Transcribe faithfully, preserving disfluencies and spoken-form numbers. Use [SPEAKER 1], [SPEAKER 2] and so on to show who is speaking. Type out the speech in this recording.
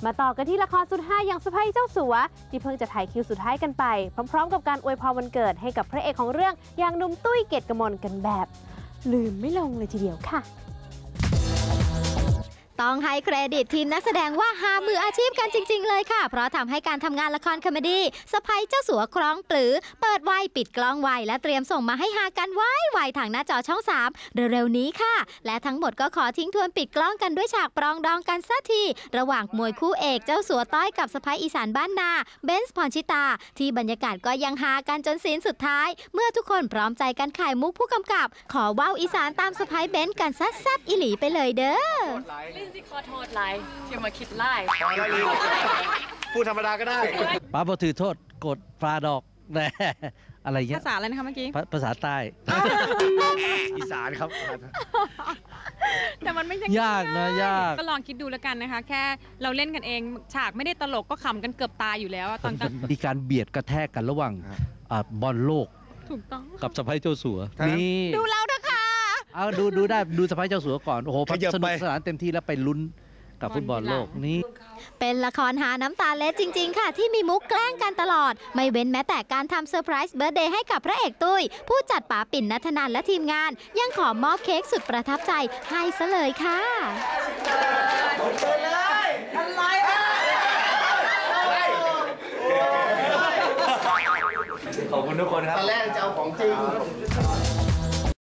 [SPEAKER 1] มาต่อกันที่ละครสุดฮาอย่างสะใภ้เจ้าสัวที่เพิ่งจะถ่ายคิวสุดท้ายกันไปพร้อมๆกับการอวยพรวันเกิดให้กับพระเอกของเรื่องอย่างหนุ่มตุ้ยเกียรติกมลกันแบบลืมไม่ลงเลยทีเดียวค่ะ
[SPEAKER 2] ต้องให้เครดิตทีมนักแสดงว่าหามืออาชีพกันจริงๆเลยค่ะเพราะทำให้การทำงานละครคอมเมดี้สะใภ้เจ้าสัวคล้องปลือเปิดไวปิดกล้องไวและเตรียมส่งมาให้หากันไวไวทางหน้าจอช่องสามเร็วๆนี้ค่ะและทั้งหมดก็ขอทิ้งทวนปิดกล้องกันด้วยฉากปรองดองกันสักทีระหว่างมวยคู่เอกเจ้าสัวต้อยกับสะใภ้อีสานบ้านนาเบนซ์พรชิตาที่บรรยากาศก็ยังหากันจนซีนสุดท้ายเมื่อทุกคนพร้อมใจกันขายมุกผู้กำกับขอว่าวอีสานตามสะใภ้เบนซ์กันซัดแซ่บอีหลีไปเลยเด้อ
[SPEAKER 3] ลินซี่ขอโทษไลน์ที่มาคิดไล่
[SPEAKER 4] พูดธรรมดาก็ได้
[SPEAKER 5] ป้าบอถือโทษกดปลาดอกแน่อะไรเงี้ย
[SPEAKER 6] ภาษาอะไรนะคะเมื่อกี้
[SPEAKER 5] ภาษาใต้
[SPEAKER 4] อีสานครับ
[SPEAKER 6] แต่มันไม่ใช่
[SPEAKER 5] ยากนะยาก
[SPEAKER 6] ก็ลองคิดดูแล้วกันนะคะแค่เราเล่นกันเองฉากไม่ได้ตลกก็ขำกันเกือบตายอยู่แล้วตอน
[SPEAKER 5] มีการเบียดกระแทกกันระหว่างบอลโลก
[SPEAKER 6] ถูกต้อง
[SPEAKER 5] กับสะใภ้เจ้าสัวนี่
[SPEAKER 6] ดูเราเถอะค่ะ
[SPEAKER 5] เอาดูดูได้ดูสะใภ้เจ้าสัวก่อนโอ้โหสนุกสนานเต็มที่แล้วไปลุ้นกับฟุตบอลโลกนี้
[SPEAKER 2] เป็นละครหาน้ำตาเล็ดจริงๆค่ะที่มีมุกแกล้งกันตลอดไม่เว้นแม้แต่การทำเซอร์ไพรส์เบิร์ธเดย์ให้กับพระเอกตุ้ยผู้จัดป๋าปิ่นณัฐนันและทีมงานยังขอมอบเค้กสุดประทับใจให้ซะเลยค่ะ
[SPEAKER 4] ขอบคุณทุกคนครับตอนแรกจะเอาของจริง